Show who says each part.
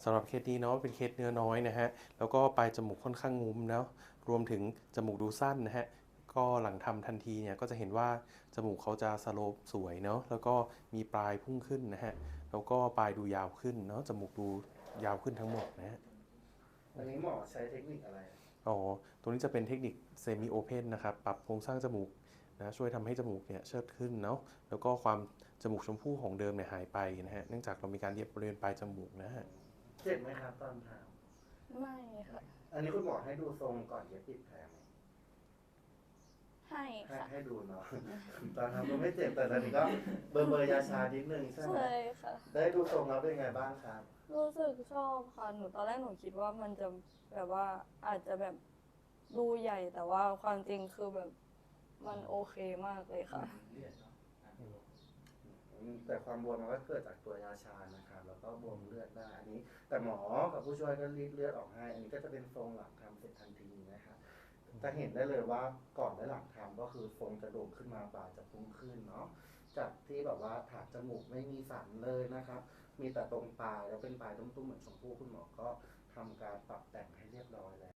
Speaker 1: สำหรับเคสนี้เนาะเป็นเคสเนื้อน้อยนะฮะแล้วก็ปลายจมูกค่อนข้างงุ้มเนาะรวมถึงจมูกดูสั้นนะฮะก็หลังทำทันทีเนี่ยก็จะเห็นว่าจมูกเขาจะสโลปสวยเนาะแล้วก็มีปลายพุ่งขึ้นนะฮะแล้วก็ปลายดูยาวขึ้นเนาะจมูกดูยาวขึ้นทั้งหมดนะฮะ
Speaker 2: อันนี้หมอใช้เทคนิคอะไร
Speaker 1: อ๋อตรงนี้จะเป็นเทคนิคเซมิโอเพนนะครับปรับโครงสร้างจมูกนะช่วยทำให้จมูกเนี่ยเชิดขึ้นเนาะแล้วก็ความจมูกชมพู่ของเดิมเนี่ยหายไปนะฮะเนื่องจากเรามีการเย็บบริเวณปลายจมูกนะฮะ
Speaker 2: เจ็บไหมครับตอนท
Speaker 3: ไม่ค่ะ
Speaker 2: ำอันนี้คุณหมอให้ดูทรงก่อนเย็บปิดแผลไหม
Speaker 3: ให้ค่ะ
Speaker 2: ให้ดูเนาะตอนทำก็ไม่เจ็บแต่ตอนนี้ก็เบอร์ยาชานิดนึงใช่ไหม
Speaker 3: ใช่ค่ะ
Speaker 2: ได้ดูทรงแล้วเป็นไงบ้างครับ
Speaker 3: รู้สึกชอบค่ะหนูตอนแรกหนูคิดว่ามันจะแบบว่าอาจจะแบบดูใหญ่แต่ว่าความจริงคือแบบมันโอเคมากเลยค่ะ
Speaker 2: แต่ความบวมมันก็เกิดจากตัวยาชานะครับแล้วก็บวมเลือดได้อันนี้แต่หมอกับผู้ช่วยก็รีดเลือดออกให้อันนี้ก็จะเป็นทรงหลังทำเสร็จทันทีนะครับจะเห็นได้เลยว่าก่อนและหลังทำก็คือทรงจะโด่งขึ้นมาปลายจะพุ่งขึ้นเนาะจากที่แบบว่าถากจมูกไม่มีสันเลยนะครับมีแต่ตรงปลายแล้วเป็นปลายตุ้มๆเหมือนชมพู่คุณหมอก็ทำการปรับแต่งให้เรียบร้อยแล้ว